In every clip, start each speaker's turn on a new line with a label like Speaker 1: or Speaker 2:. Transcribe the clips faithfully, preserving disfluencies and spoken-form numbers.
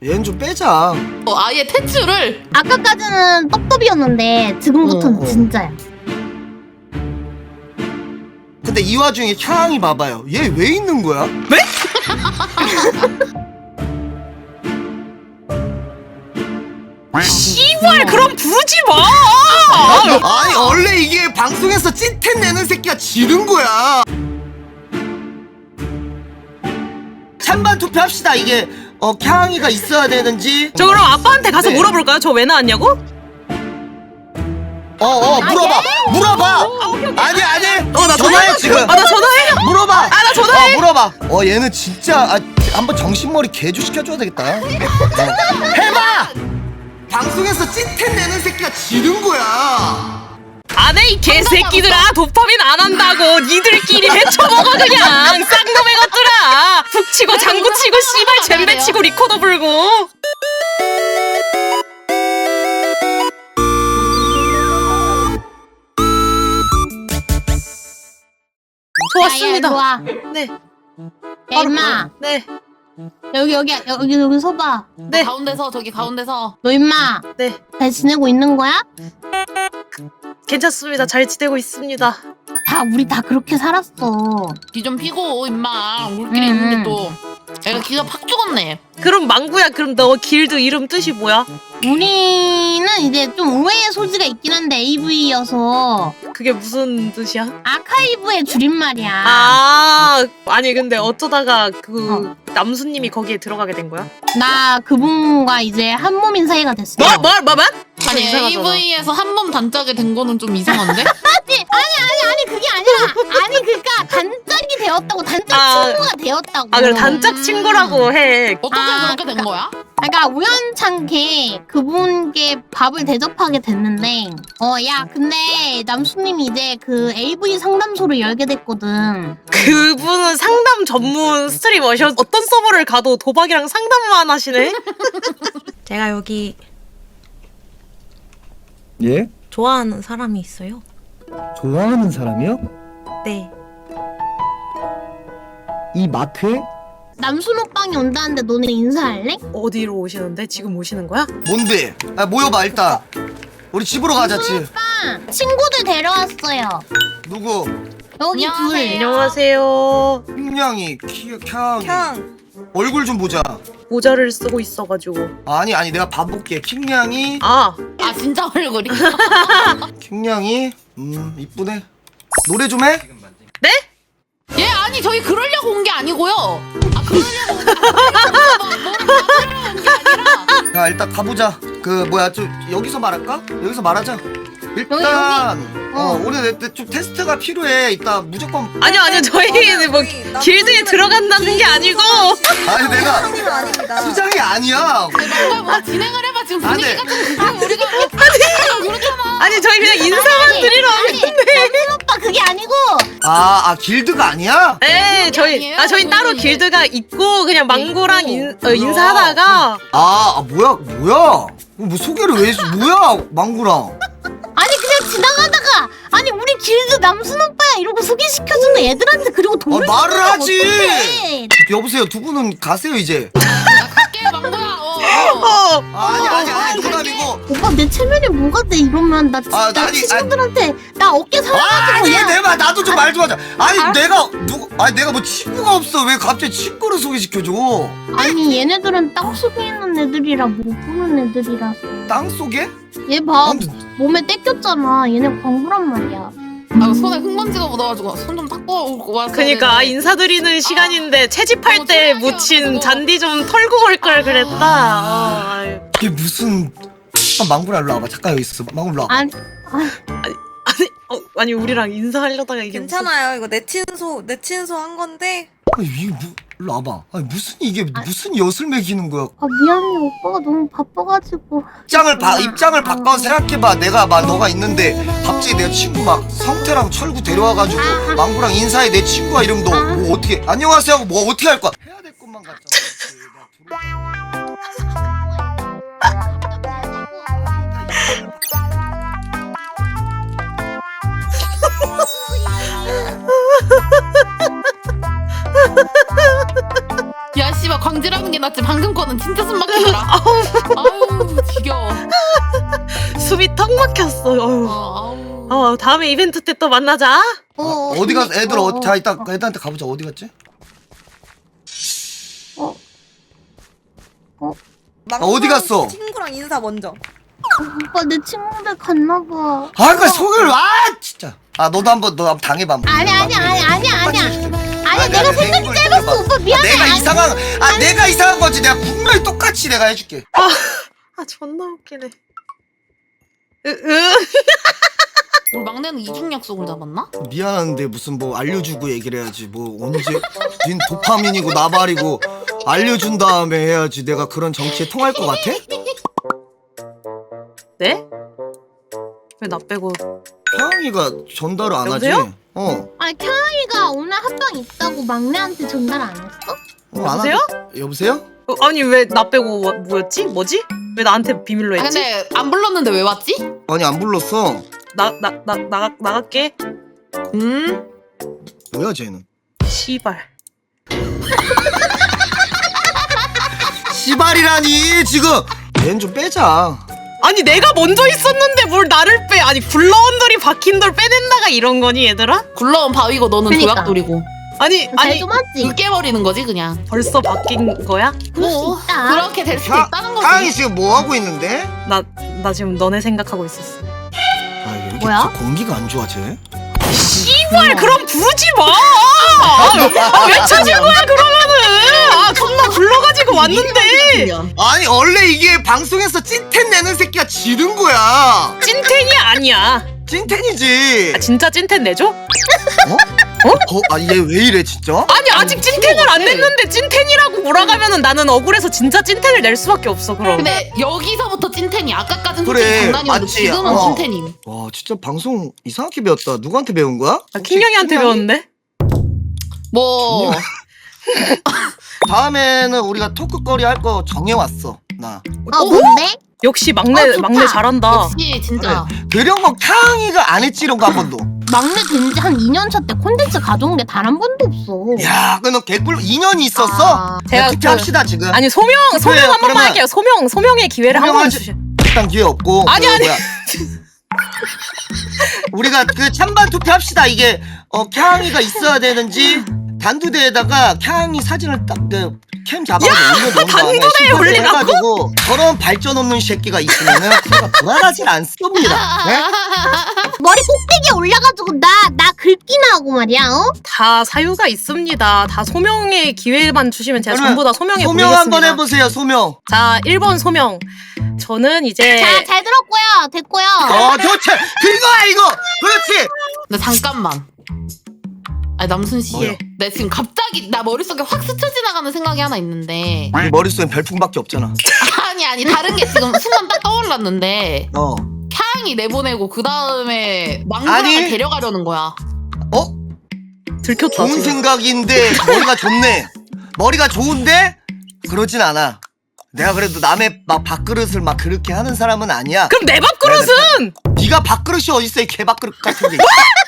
Speaker 1: 얘는 좀 빼자.
Speaker 2: 어, 아예 태출을.
Speaker 3: 아까까지는 떡떡이었는데 지금부터는
Speaker 1: 어, 어.
Speaker 3: 진짜야.
Speaker 1: 근데 이 와중에 향이 봐봐요. 얘 왜 있는 거야?
Speaker 4: 네? 씨발 그럼 부르지 마.
Speaker 1: 아니 원래 이게 방송에서 찐텐 내는 새끼가 지른 거야. 찬반 투표합시다. 이게 어 향이가 있어야 되는지.
Speaker 4: 저 그럼 아빠한테 가서
Speaker 1: 네.
Speaker 4: 물어볼까요? 저 왜 나왔냐고?
Speaker 1: 어어 물어봐 물어봐.
Speaker 4: 아, 오케이, 오케이.
Speaker 1: 아니 아니.
Speaker 4: 어, 나
Speaker 1: 전화해 지금.
Speaker 4: 아, 나 전화해.
Speaker 1: 물어봐.
Speaker 4: 아, 나 전화해.
Speaker 1: 어, 물어봐. 어 얘는 진짜 아, 한번 정신머리 개조 시켜줘야 되겠다. 어. 해봐. 방송에서 찐텐 내는 새끼가 지른 거야.
Speaker 4: 안 해 이 개새끼들아. 도파민 안 한다고. 니들끼리 헤쳐먹어 그냥. 쌍놈의 것들아. 북치고 장구치고 씨발 잼배치고 리코더 불고. 좋았습니다.
Speaker 3: 좋아.
Speaker 4: 네.
Speaker 3: 야, 임마.
Speaker 4: 네.
Speaker 3: 여기 여기 여기 여기 서봐.
Speaker 4: 네.
Speaker 2: 가운데서 저기 가운데서.
Speaker 3: 너 임마
Speaker 4: 네.
Speaker 3: 잘 지내고 있는 거야?
Speaker 4: 괜찮습니다. 잘 지내고 있습니다.
Speaker 3: 다 우리 다 그렇게 살았어.
Speaker 2: 귀 좀 피고 임마. 우리끼리
Speaker 3: 음.
Speaker 2: 있는데 또. 애가 기가 팍 죽었네.
Speaker 4: 그럼 망구야, 그럼 너 길드 이름 뜻이 뭐야?
Speaker 3: 우리는 이제 좀 오해의 소지가 있긴 한데 에이브이여서
Speaker 4: 그게 무슨 뜻이야?
Speaker 3: 아카이브의 줄임말이야.
Speaker 4: 아, 아니 근데 어쩌다가 그 남수님이 거기에 들어가게 된 거야?
Speaker 3: 나 그분과 이제 한 몸인 사이가 됐어.
Speaker 4: 뭐? 뭐? 뭐? 뭐?
Speaker 2: 아니
Speaker 4: 이상하잖아.
Speaker 2: 에이브이에서 한 몸 단짝이 된 거는 좀 이상한데?
Speaker 3: 아니 아니 아니 아니 그게 아니라 아니 그니까 단짝이 되었다고 단짝
Speaker 4: 아.
Speaker 3: 친구가 되었다고.
Speaker 4: 아, 그래 단짝 친구라고 해.
Speaker 2: 어떻게
Speaker 3: 아,
Speaker 2: 그렇게 된 거야?
Speaker 3: 그러니까 우연찮게 그분께 밥을 대접하게 됐는데 어 야 근데 남수님이 이제 그 에이브이 상담소를 열게 됐거든.
Speaker 4: 그분은 상담 전문 스트리머셔. 어떤 서버를 가도 도박이랑 상담만 하시네. 제가 여기
Speaker 5: 예?
Speaker 4: 좋아하는 사람이 있어요.
Speaker 5: 좋아하는 사람이요?
Speaker 4: 네.
Speaker 5: 이 마크에?
Speaker 3: 남순 오빵이 온다는데 너네 인사할래?
Speaker 4: 어디로 오시는데? 지금 오시는 거야?
Speaker 1: 뭔데? 아 모여봐 일단. 우리 집으로 가자 집.
Speaker 3: 오빠 친구들 데려왔어요.
Speaker 1: 누구?
Speaker 3: 여기
Speaker 2: 안녕하세요.
Speaker 3: 둘.
Speaker 4: 안녕하세요.
Speaker 1: 흉냥이 키 캬. 얼굴 좀 보자.
Speaker 4: 모자를 쓰고 있어가지고.
Speaker 1: 아니 아니 내가 봐볼게. 킹냥이
Speaker 4: 아,
Speaker 2: 아 진짜 얼굴이?
Speaker 1: 킹냥이 음 이쁘네. 노래 좀 해?
Speaker 4: 네?
Speaker 2: 얘 아니 저희 그러려고 온 게 아니고요. 아 그러려고 온 게 아니라 뭐를 받으러 온 게 아니라.
Speaker 1: 자 일단 가보자. 그 뭐야 좀 여기서 말할까? 여기서 말하자. 일단 어 우리 내- 내 좀 테스트가 필요해. 이따 무조건.
Speaker 4: 아니요 아니요 저희는 뭐 길드에 들어간다는 게 아니고.
Speaker 1: 아니 내가
Speaker 6: 아닙니다.
Speaker 1: 수장이 아니야.
Speaker 2: 뭔가 뭐 진행을 해봐. 지금
Speaker 1: 안 돼.
Speaker 2: 분위기가 좀 그게 우리가 아니 그렇잖아.
Speaker 4: 아니 저희 그냥 인사만 드리러
Speaker 3: 아니 남순 오빠 그게 아니고
Speaker 1: 아, 아 길드가 아니야?
Speaker 4: 네, 저희
Speaker 2: 아니에요?
Speaker 4: 아 저희 따로
Speaker 2: 우리
Speaker 4: 길드가 있고 그냥 망고랑
Speaker 2: 있고.
Speaker 4: 인, 어, 인사하다가
Speaker 1: 아, 아 뭐야 뭐야? 뭐 소개를 왜 해줘? 뭐야 망구랑?
Speaker 3: 아니 그냥 지나가다가 아니 우리 길드 남순 오빠야 이러고 소개시켜주는 애들한테 그리고 돈을
Speaker 1: 아, 말을
Speaker 3: 주면
Speaker 1: 하지.
Speaker 3: 어떡해.
Speaker 1: 여보세요 두 분은 가세요 이제.
Speaker 2: 갈게 망고야. 어. 어.
Speaker 4: 어,
Speaker 1: 아, 아니 아니 아니 농담이고.
Speaker 3: 오빠 내 체면이 뭐가 돼 이러면 나 진짜
Speaker 1: 아, 나 아니,
Speaker 3: 친구들한테 나 어깨 살아가지고
Speaker 1: 아니
Speaker 3: 그냥
Speaker 1: 내말 나도 좀 말 좀 하자. 아니
Speaker 3: 알았어.
Speaker 1: 내가 누구? 아니 내가 뭐 친구가 없어 왜 갑자기 친구를 소개시켜줘?
Speaker 3: 아니 얘네들은 땅 속에 있는 애들이라 못 보는 애들이라서
Speaker 1: 땅 속에?
Speaker 3: 얘 봐
Speaker 1: 아무튼
Speaker 3: 몸에 떼꼈잖아 얘네 광부란 말이야.
Speaker 2: 아 손에 흙먼지가 묻어가지고 손 좀 닦고 오고 와서.
Speaker 4: 그니까 인사드리는 시간인데 채집할
Speaker 2: 어,
Speaker 4: 때
Speaker 2: 조용히
Speaker 4: 묻힌
Speaker 2: 해가지고.
Speaker 4: 잔디 좀 털고 올 걸 그랬다. 어, 아유.
Speaker 1: 이게 무슨? 아, 망구라 일로 와봐. 잠깐 여기 있어. 망구 일로 와봐.
Speaker 3: 아니
Speaker 4: 아니, 어, 아니 우리랑 인사하려다가 이게
Speaker 6: 괜찮아요. 이거 내 친소 내 친소 한 건데.
Speaker 1: 아니 이게 뭐? 일로 와봐. 아니 무슨 이게 무슨 엿을 매기는 거야?
Speaker 3: 아 미안해 오빠가 너무 바빠가지고.
Speaker 1: 입장을 바 입장을 바꿔 생각해봐. 내가 막 너가 있는데 갑자기 내 친구 막 성태랑 철구 데려와가지고 망구랑 인사해 내 친구가 이러면 너 뭐 어떻게 안녕하세요 하고 뭐 어떻게 할 거야? 해야 될 것만 같잖아.
Speaker 2: 야 씨발 광질하는 게 낫지. 방금 거는 진짜 숨 막혀. 웃기더라. 아우 지겨워.
Speaker 4: 숨이 턱 막혔어. 어휴.
Speaker 2: 어, 아우.
Speaker 4: 어, 다음에 이벤트 때 또 만나자.
Speaker 3: 어,
Speaker 1: 어디 갔어? 애들
Speaker 3: 어,
Speaker 1: 어, 자 이따 애들한테 가보자. 어디 갔지?
Speaker 3: 어.
Speaker 6: 막상
Speaker 1: 어디 갔어?
Speaker 6: 친구랑 인사 먼저.
Speaker 3: 오빠 내 친구들 갔나봐.
Speaker 1: 아, 그 소개를 아 진짜. 아 너도 한번 너 한번 당해봐. 한번.
Speaker 3: 아니 아니 아니 아니 아니야. 아니
Speaker 1: 아니,
Speaker 3: 내가
Speaker 1: 아니,
Speaker 3: 생각이
Speaker 1: 내
Speaker 3: 짧았어.
Speaker 1: 생각을
Speaker 3: 오빠 미안해.
Speaker 1: 내가
Speaker 3: 아니,
Speaker 1: 이상한 아 내가 이상한 거지. 내가 분명히 똑같이 내가 해줄게.
Speaker 4: 아, 아 존나 웃기네. 으, 으.
Speaker 2: 우리 막내는 이중 약속을 잡았나?
Speaker 1: 미안한데 무슨 뭐 알려주고 얘기를 해야지. 뭐 언제 닌 도파민이고 나발이고 알려준 다음에 해야지. 내가 그런 정치에 통할 것 같아?
Speaker 4: 네? 왜 나 빼고?
Speaker 1: 태영이가 전달을 안 하지.
Speaker 4: 여보세요?
Speaker 1: 어.
Speaker 3: 아니 캬이가 오늘 합방 있다고 막내한테 전달 안 했어?
Speaker 1: 어, 안
Speaker 4: 여보세요?
Speaker 1: 하지. 여보세요?
Speaker 4: 어, 아니 왜 나 빼고 뭐- 뭐였지? 뭐지? 왜 나한테 비밀로
Speaker 2: 아,
Speaker 4: 했지?
Speaker 2: 근데 안 불렀는데 왜 왔지?
Speaker 1: 아니 안 불렀어.
Speaker 4: 나 나 나 나가 나갈게.
Speaker 2: 음?
Speaker 1: 뭐야 쟤는?
Speaker 4: 씨발.
Speaker 1: 시발이라니 지금. 쟤는 좀 빼자.
Speaker 4: 아니 내가 먼저 있었는데 뭘 나를 빼? 아니 굴러온 돌이 박힌 돌 빼낸다가 이런 거니 얘들아?
Speaker 2: 굴러온 바위고 너는
Speaker 3: 그러니까.
Speaker 2: 도약돌이고.
Speaker 4: 아니 아니
Speaker 3: 잘좀 하지.
Speaker 2: 으깨버리는 거지 그냥.
Speaker 4: 벌써 바뀐 거야?
Speaker 3: 그럴 수
Speaker 2: 뭐,
Speaker 3: 있다.
Speaker 2: 그렇게 될 수도
Speaker 1: 타-
Speaker 2: 있다는 거지.
Speaker 1: 태영이 지금 뭐 하고 있는데?
Speaker 4: 나 나 지금 너네 생각하고 있었어.
Speaker 1: 아 이게 이렇게
Speaker 3: 뭐야?
Speaker 1: 저 공기가 안 좋아 쟤.
Speaker 4: 씨발 그럼 부르지 마. 아, 왜 찾은 거야 그러면은? 아 존나 불러가지고 왔는데
Speaker 1: 아니 원래 이게 방송에서 찐텐 내는 새끼가 지른 거야.
Speaker 4: 찐텐이 아니야.
Speaker 1: 찐텐이지.
Speaker 4: 아, 진짜 찐텐 내줘?
Speaker 1: 어? 아 얘 왜 이래 진짜?
Speaker 4: 아니 아직 찐텐을 안 냈는데 찐텐이라고 몰아가면은 나는 억울해서 진짜 찐텐을 낼 수밖에 없어 그럼.
Speaker 2: 근데 여기서부터 찐텐이 아까까진
Speaker 1: 그래,
Speaker 2: 솔직히 장난이었는데
Speaker 1: 맞지?
Speaker 2: 지금은
Speaker 1: 어.
Speaker 2: 찐텐임.
Speaker 1: 와 진짜 방송 이상하게 배웠다. 누구한테 배운 거야?
Speaker 4: 나 킹영이한테 배웠는데?
Speaker 2: 뭐
Speaker 1: 다음에는 우리가 토크거리 할 거 정해왔어 나.
Speaker 3: 어 뭔데?
Speaker 4: 역시 막내
Speaker 3: 어, 좋다.
Speaker 4: 막내 잘한다.
Speaker 2: 역시 진짜.
Speaker 1: 그런 거 캉이가 안 했지 이런 거 한 번도.
Speaker 3: 막내 된 지 한 이 년 차 때 콘텐츠 가져온 게 단 한 번도 없어.
Speaker 1: 야, 그너 개꿀 이 년이 있었어?
Speaker 3: 아,
Speaker 1: 제가
Speaker 4: 제가
Speaker 1: 투표합시다 지금.
Speaker 4: 아니 소명 소명
Speaker 1: 투표해요,
Speaker 4: 한 번만
Speaker 1: 그러면.
Speaker 4: 할게요. 소명 소명의 기회를 한 번
Speaker 1: 소명하지-
Speaker 4: 주시.
Speaker 1: 일단 기회 없고.
Speaker 4: 아니,
Speaker 1: 그
Speaker 4: 아니.
Speaker 1: 뭐야. 우리가 그 찬반 투표합시다. 이게 어 캉이가 있어야 되는지 단두대에다가 캉이 사진을 딱그 캠 잡아가지고 올려놓은 다음에
Speaker 4: 단두대에
Speaker 1: 심사를
Speaker 4: 올리라고?
Speaker 1: 해가지고 저런 발전 없는 새끼가 있으면은 제가 불안하진 않습니다. 네?
Speaker 3: 머리 꼭대기에 올려가지고 나 나 긁기나 하고 말이야. 어?
Speaker 4: 다 사유가 있습니다. 다 소명의 기회만 주시면 제가
Speaker 1: 그러면
Speaker 4: 전부 다 소명에
Speaker 1: 소명
Speaker 4: 보내겠습니다.
Speaker 1: 한번 해보세요. 소명.
Speaker 4: 자, 일 번 소명. 저는 이제
Speaker 3: 자, 잘 들었고요. 됐고요.
Speaker 1: 어, 좋지. 그거야 이거. 그렇지.
Speaker 2: 근데 잠깐만. 아니 남순 씨,
Speaker 1: 뭐요?
Speaker 2: 내 지금 갑자기 나 머릿속에 확 스쳐 지나가는 생각이 하나 있는데.
Speaker 1: 네 머릿속엔 별풍밖에 없잖아.
Speaker 2: 아니 아니 다른 게 지금 순간 딱 떠올랐는데.
Speaker 1: 어.
Speaker 2: 캬양이 내보내고 그 다음에 망고랑을
Speaker 1: 아니.
Speaker 2: 데려가려는 거야.
Speaker 1: 어?
Speaker 4: 들켰다.
Speaker 1: 좋은
Speaker 4: 지금.
Speaker 1: 생각인데 머리가 좋네. 머리가 좋은데 그러진 않아. 내가 그래도 남의 막 밥그릇을 막 그렇게 하는 사람은 아니야.
Speaker 4: 그럼 내 밥그릇은
Speaker 1: 네가 밥그릇이 어딨어 이 개밥그릇 같은 게.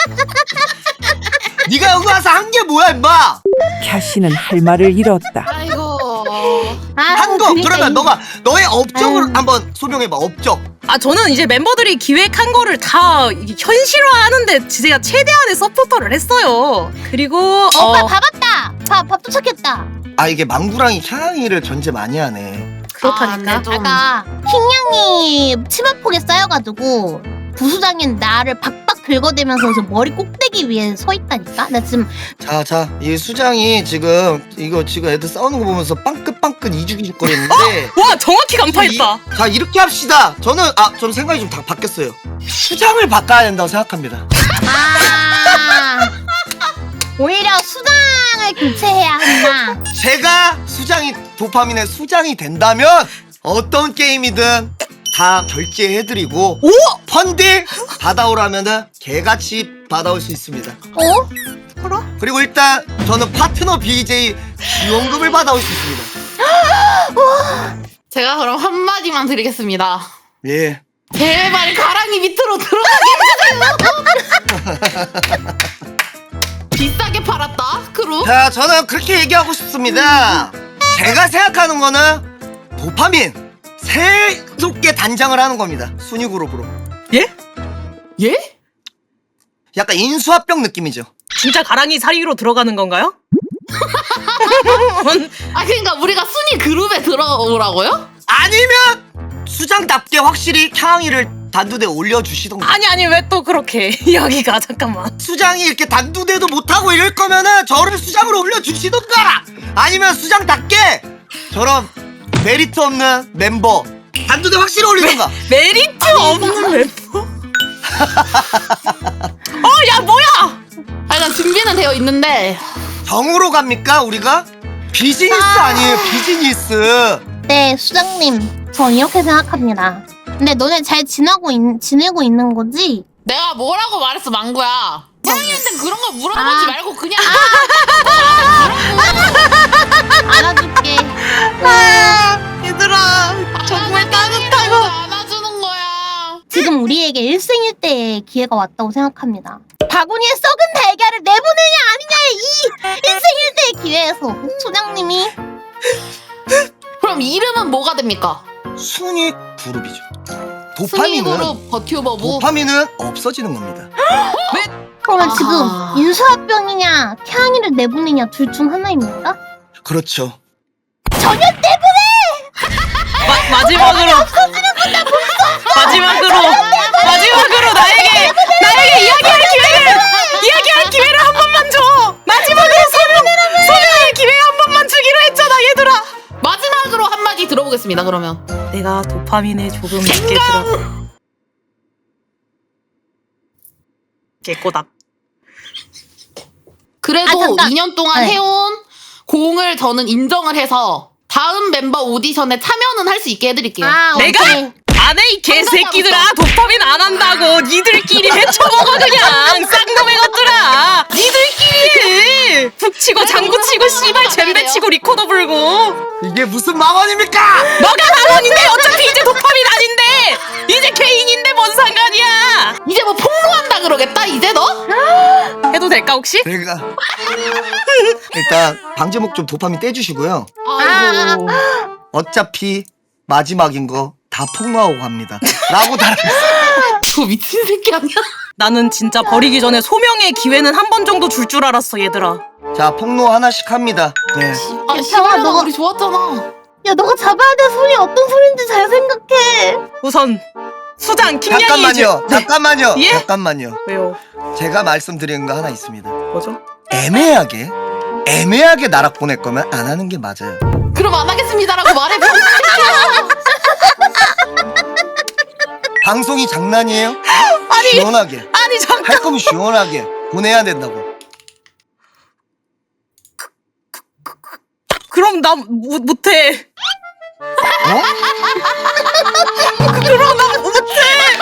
Speaker 1: 네가 여기 와서 한 게 뭐야 임마.
Speaker 7: 캬씨는 할 말을 잃었다.
Speaker 2: 아이고.
Speaker 3: 아,
Speaker 1: 한 거.
Speaker 3: 그러니까
Speaker 1: 그러면
Speaker 3: 이-
Speaker 1: 너가 너의 업적을
Speaker 3: 아유.
Speaker 1: 한번 소명해봐. 업적.
Speaker 4: 아 저는 이제 멤버들이 기획한 거를 다 이게 현실화하는데 제가 최대한의 서포터를 했어요. 그리고
Speaker 3: 어, 오빠
Speaker 4: 어,
Speaker 3: 밥 왔다. 밥, 밥 도착했다.
Speaker 1: 아 이게 망구랑이 향이를 견제 많이 하네.
Speaker 4: 그렇다니까.
Speaker 2: 아, 네, 좀.
Speaker 3: 아까 킹냥이 치마폭에 쌓여가지고 부수장인 나를 박박 긁어대면서 저 머리 꼭대기 위에 서 있다니까? 나 지금
Speaker 1: 자, 자, 이 수장이 지금 이거 지금 애들 싸우는 거 보면서 빵긋빵긋 이죽이죽 거리는데.
Speaker 4: 와 정확히 간파했다.
Speaker 1: 이- 자, 이렇게 합시다. 저는 아, 좀 생각이 좀 다 바뀌었어요. 수장을 바꿔야 된다고 생각합니다.
Speaker 3: 아 오히려 수장을 교체해야 한다.
Speaker 1: 제가 수장이 도파민의 수장이 된다면 어떤 게임이든 다 결제해드리고
Speaker 4: 오!
Speaker 1: 펀드 받아오라면은 개같이 받아올 수 있습니다.
Speaker 3: 어?
Speaker 1: 그리고 일단 저는 파트너 비제이 지원금을 받아올 수 있습니다.
Speaker 2: 제가 그럼 한 마디만 드리겠습니다.
Speaker 1: 예.
Speaker 2: 제발 가랑이 밑으로 들어가게 해주세요. 비싸게 팔았다 크루.
Speaker 1: 자, 저는 그렇게 얘기하고 싶습니다. 제가 생각하는 거는 도파민 새롭게 단장을 하는 겁니다. 순위 그룹으로.
Speaker 4: 예?
Speaker 2: 예?
Speaker 1: 약간 인수합병 느낌이죠.
Speaker 4: 진짜 가랑이 사이로 들어가는 건가요?
Speaker 2: 아 그러니까 우리가 순위 그룹에 들어오라고요?
Speaker 1: 아니면 수장답게 확실히 캬항이를 단두대 올려주시던가.
Speaker 4: 아니 아니 왜 또 그렇게 여기가 잠깐만.
Speaker 1: 수장이 이렇게 단두대도 못하고 이럴 거면은 저를 수장으로 올려주시던가, 아니면 수장답게 저런 메리트 없는 멤버 단두대 확실히 올리던가.
Speaker 4: 메리트 없는 멤버? 어, 야 뭐야?
Speaker 2: 아 일단 준비는 되어 있는데
Speaker 1: 정으로 갑니까 우리가? 비즈니스 아니에요 비즈니스.
Speaker 3: 네, 수장님. 저 이렇게 생각합니다. 근데 너네 잘 지나고 있, 지내고 있는 거지?
Speaker 2: 내가 뭐라고 말했어 망구야. 태양이한테 그런 거 물어보지
Speaker 3: 아.
Speaker 2: 말고 그냥
Speaker 3: 알아줄게.
Speaker 2: 얘들아 정말 따뜻하고 안아주는 거야.
Speaker 3: 지금 우리에게 일생일대의 기회가 왔다고 생각합니다. 바구니에 썩은 달걀을 내보내냐 아니냐의 이 일생일대의 기회에서 소장님이
Speaker 2: 그럼 이름은 뭐가 됩니까?
Speaker 1: 순위 그룹이죠.
Speaker 2: 순위
Speaker 1: 도파민은
Speaker 2: 그룹 버튜버부.
Speaker 1: 도파민은 없어지는 겁니다.
Speaker 3: 그러면
Speaker 2: 아.
Speaker 3: 지금 인수합병이냐 캬항이를 내보내냐 둘 중 하나입니까?
Speaker 1: 그렇죠.
Speaker 3: 전혀 내보내!
Speaker 4: 마, 마지막으로 마지막으로 마지막으로 나에게 나에게 이야기할 기회를 이야기할 기회를 한 번만 줘. 마지막으로 소명 소명의 기회 한 번만 주기로 했잖아 얘들아.
Speaker 2: 마지막으로 한마디 들어보겠습니다 그러면.
Speaker 4: 내가 도파민에 조금 늦게 들어. 개꼬닥.
Speaker 2: 그래도
Speaker 3: 아, 잠깐.
Speaker 2: 이 년 동안
Speaker 3: 네.
Speaker 2: 해온 공을 저는 인정을 해서 다음 멤버 오디션에 참여는 할 수 있게 해드릴게요.
Speaker 3: 아,
Speaker 4: 내가?
Speaker 3: 오케이.
Speaker 4: 안해 이 개새끼들아. 도파민 안 한다고 니들끼리 헤쳐먹어 그냥 쌍놈의 것들아. 니들끼리 북치고 장구치고 씨발 잼배치고 리코더 불고.
Speaker 1: 이게 무슨 망언입니까?
Speaker 4: 너가 망언인데 어차피 이제 도파민 아닌데 이제 개인인데 뭔 상관이야.
Speaker 2: 이제 뭐 폭로한다 그러겠다 이제 너?
Speaker 4: 해도 될까 혹시?
Speaker 1: 내가 일단 방제목 좀 도파민 떼주시고요.
Speaker 2: 아이고.
Speaker 1: 어차피 마지막인 거 다 폭로하고 갑니다. 라고 달아있어요.
Speaker 2: 저 미친 새끼 아니야?
Speaker 4: 나는 진짜 버리기 전에 소명의 기회는 한 번 정도 줄 줄 알았어 얘들아.
Speaker 1: 자, 폭로 하나씩 합니다. 네.
Speaker 2: 아
Speaker 3: 야,
Speaker 2: 시발아
Speaker 3: 너가-
Speaker 2: 우리 좋았잖아.
Speaker 3: 야, 너가 잡아야 될 소리 어떤 소리인지 잘 생각해.
Speaker 4: 우선 수장 김양이
Speaker 1: 잠깐만요.
Speaker 4: 이제-
Speaker 1: 잠깐만요.
Speaker 4: 예?
Speaker 1: 잠깐만요.
Speaker 4: 왜요?
Speaker 1: 제가 말씀드리는 거 하나 있습니다.
Speaker 4: 뭐죠?
Speaker 1: 애매하게 애매하게 나락 보낼 거면 안 하는 게 맞아요.
Speaker 2: 그럼 안 하겠습니다라고 말해 병신 새끼야.
Speaker 1: 방송이 장난이에요?
Speaker 4: 아니
Speaker 1: 시원하게
Speaker 4: 아니 잠깐.
Speaker 1: 할 거면 시원하게 보내야 된다고.
Speaker 4: 그럼 나 못, 못해.
Speaker 1: 어?
Speaker 4: 그럼 나 못해.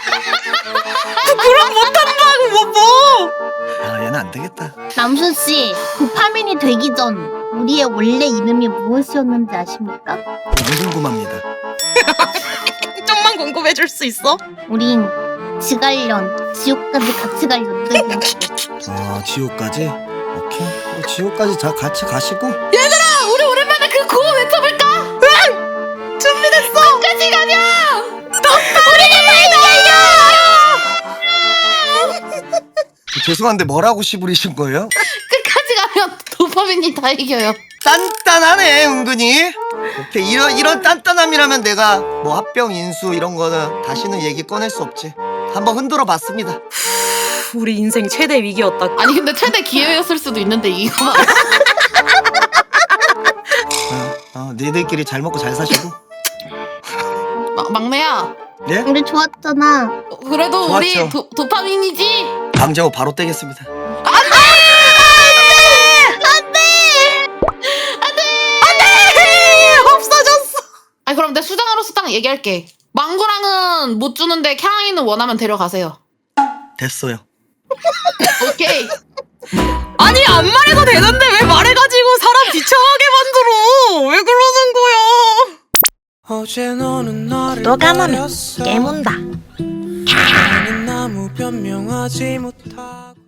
Speaker 4: 그럼 못한다고 뭐 뭐.
Speaker 1: 아, 얘는 안 되겠다.
Speaker 3: 남순 씨, 도파민이 되기 전 우리의 원래 이름이 무엇이었는지 아십니까?
Speaker 1: 너무 궁금합니다.
Speaker 4: 좀만 궁금해 줄 수 있어?
Speaker 3: 우린 지갈련, 지옥까지 같이 갈 연들이었어.
Speaker 1: 아, 지옥까지? 오케이. 그럼 지옥까지 다 같이 가시고.
Speaker 2: 얘들아 우리 오랜만에 그 구호 외쳐볼까? 응! 준비됐어. 끝까지 가자.
Speaker 1: 죄송한데 뭐라고 시부리신 거예요?
Speaker 2: 끝까지 가면 도파민이 다 이겨요.
Speaker 1: 단단하네 은근히. 오케이, 이런 이런 단단함이라면 내가 뭐 합병 인수 이런 거는 다시는 얘기 꺼낼 수 없지. 한번 흔들어 봤습니다.
Speaker 4: 우리 인생 최대 위기였다.
Speaker 2: 아니 근데 최대 기회였을 수도 있는데 이거 막
Speaker 1: 어, 어, 니들끼리 잘 먹고 잘 사시고.
Speaker 2: 마- 막내야.
Speaker 1: 예?
Speaker 3: 우리 좋았잖아.
Speaker 2: 어, 그래도
Speaker 1: 좋았죠.
Speaker 2: 우리 도, 도파민이지.
Speaker 1: 강제호 바로 떼겠습니다.
Speaker 4: 없어졌어.
Speaker 2: 아니 그럼 내 수장으로서 딱 얘기할게. 망구랑은 못 주는데 캬항이는 원하면 데려가세요.
Speaker 1: 됐어요.
Speaker 2: 오케이.
Speaker 4: 아니 안 말해도 되는데 왜 말해가지고 사람 비참하게 만들어? 왜 그러는 거야?
Speaker 8: 너가 하면 깨문다.
Speaker 9: 나무 변명하지 못하고